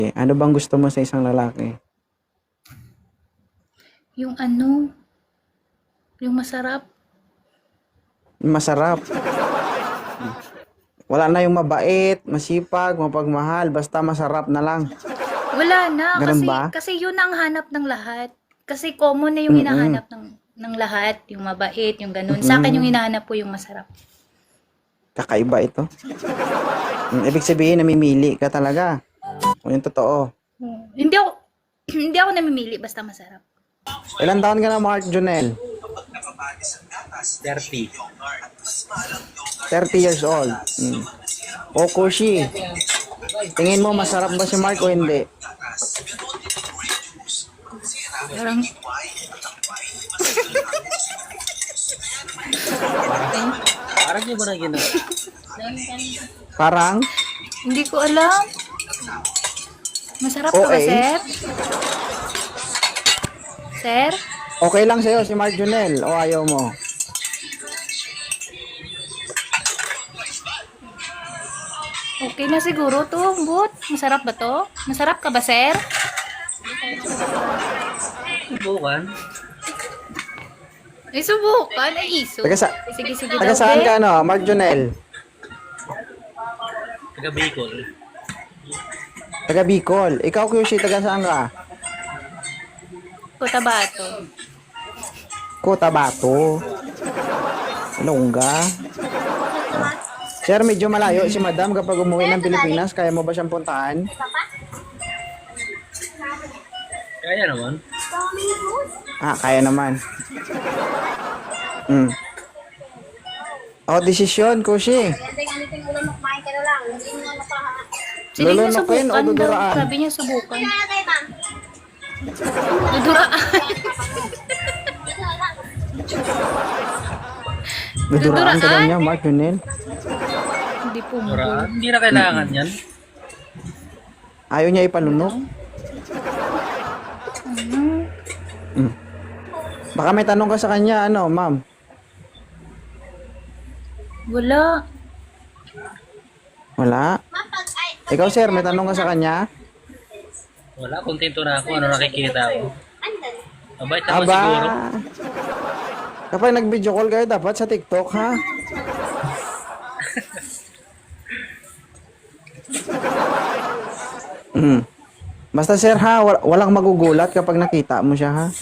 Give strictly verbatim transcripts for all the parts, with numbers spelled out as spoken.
Ano bang gusto mo sa isang lalaki? Yung ano, yung masarap. Masarap. Wala na yung mabait, masipag, mapagmahal, basta masarap na lang. Wala na, Ganun kasi, ba? kasi yun ang hanap ng lahat. Kasi common na yung Mm-mm. hinahanap ng, ng lahat, yung mabait, yung ganun. Sa akin yung hinahanap ko yung masarap. Kakaiba ito. Mm, ibig sabihin, namimili ka talaga. O yung totoo. Hmm. Hindi ako, hindi ako namimili, basta masarap. Ilan taon ka na, Mark Jonel? thirty. thirty years old. Mm. O Kushi, tingin mo masarap ba si Mark o hindi? Parang, Parang yung ba na ginawa? Parang? hindi ko alam. Masarap ka ba, Okay. sir? Sir? Okay lang sa'yo si Mark Jonel o ayaw mo? Okay na siguro to, but masarap ba to? Masarap ka ba, sir? Subukan. Ay, subukan. Ay, iso. Taga, sa, Sige, sige taga daw, saan be. ka, ano, Mark Jonel? Taga Bicol. Taga Bicol. Ikaw, Kushi, taga saan ka? Cotabato. Cotabato. Longga. Sir, medyo malayo si Madam kapag umuwi ng Pilipinas. Kaya mo ba siyang puntahan? Kaya naman. Ah, kaya naman. Mm. O, desisyon, Kushi. Sige niya Lulunukin o subukan daw. duduraan? Sabi niya subukan. Duduraan. Duduraan ka daw Duduraan? niya, Mark Junel. Hindi po mo. Para, hindi na kailangan yan. Ayaw niya ipalunok. Mm. Baka may tanong ka sa kanya, ano, ma'am? Wala. Wala? Ikaw, sir, may tanong ka sa kanya? Wala, kontento na ako. Ano nakikita ko. Mabait naman Aba! siguro. Kapag nag-video call kayo, dapat sa TikTok, ha? Mm. Basta, sir, ha? wal- Walang magugulat kapag nakita mo siya, ha?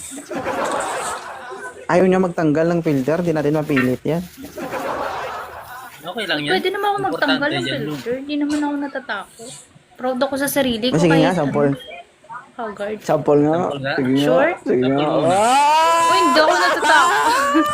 Ayaw niya magtanggal ng filter, di natin mapilit yan. Okay lang yan. Pwede naman ako magtanggal ng Importante dyan, filter. Hindi naman ako natatakot. Proud ako sa sarili ko. O, sige nga, kahit sample. ano. Haggard. Sample nga. Sample nga. Sige nga. Sure? Sige nga. Sample muna. Ah! Oh, hindi ako natatakot.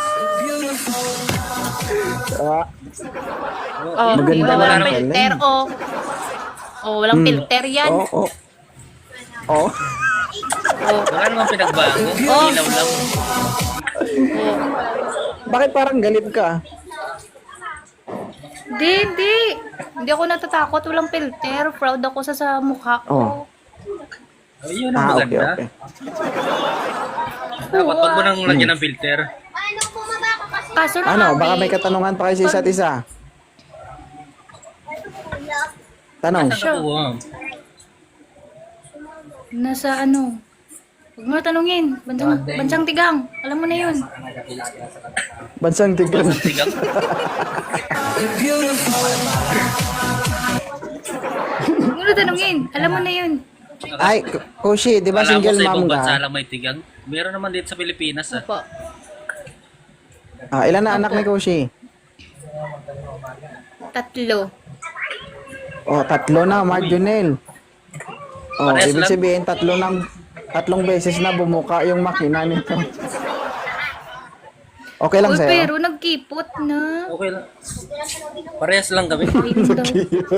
Ah, Oh, Maganda di ba? na Walang lang. filter, oh. Oh, walang Hmm. filter yan. oh, oh. Oh. Oh, Wala namang pinagbago. Oh. Ilaw lang. oh. Bakit parang galit ka? Hindi, hindi. Hindi ako natatakot. Walang filter. Proud ako sa, sa mukha ko. Oh. Ayun ang Ah, okay, maganda. okay. Dapat wag mo nang lagyan ng filter. Kaso na Ano, nga, baka eh. may katanungan pa kayo sa isa't isa. Tanong. Saan ka po? ah? Nasa ano? Huwag mo na tanungin. Bansang, bansang tigang. Alam mo na yun. Bansang tigran. Tigang. Huwag mo na tanungin. Alam mo na yun. Ay, K- Kushi, di ba Alam mo single sa mom ibang bansa ka? lang may tigang. Meron naman dito sa Pilipinas. Ah. Opo. Ah, ilan na anak ni Kushi? Tatlo. Oh, tatlo na, Mark Junel. Oh, Parehas ibig lang. sabihin tatlo ng tatlong beses na bumuka yung makina nito. Okay lang Uy, sa'yo? pero nagkipot na. Okay lang. Parehas lang kami. Ayun daw.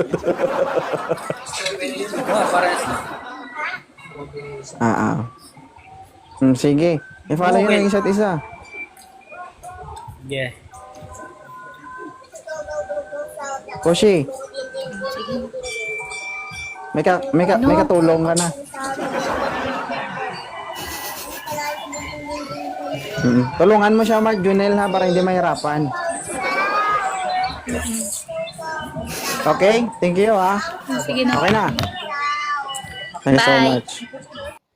Oh, parehas lang. Ah, ah. Hmm, sige. I-follow yun Okay. yung isa't isa. Yeah. Kushi, Sige. may, ka, may, ka, may Ano? katulong ka na. Mm. Tulungan mo siya, Mark Junel, ha, para hindi mahirapan. Okay? Thank you, ha. Sige na. Okay na. Thank you so Bye. much.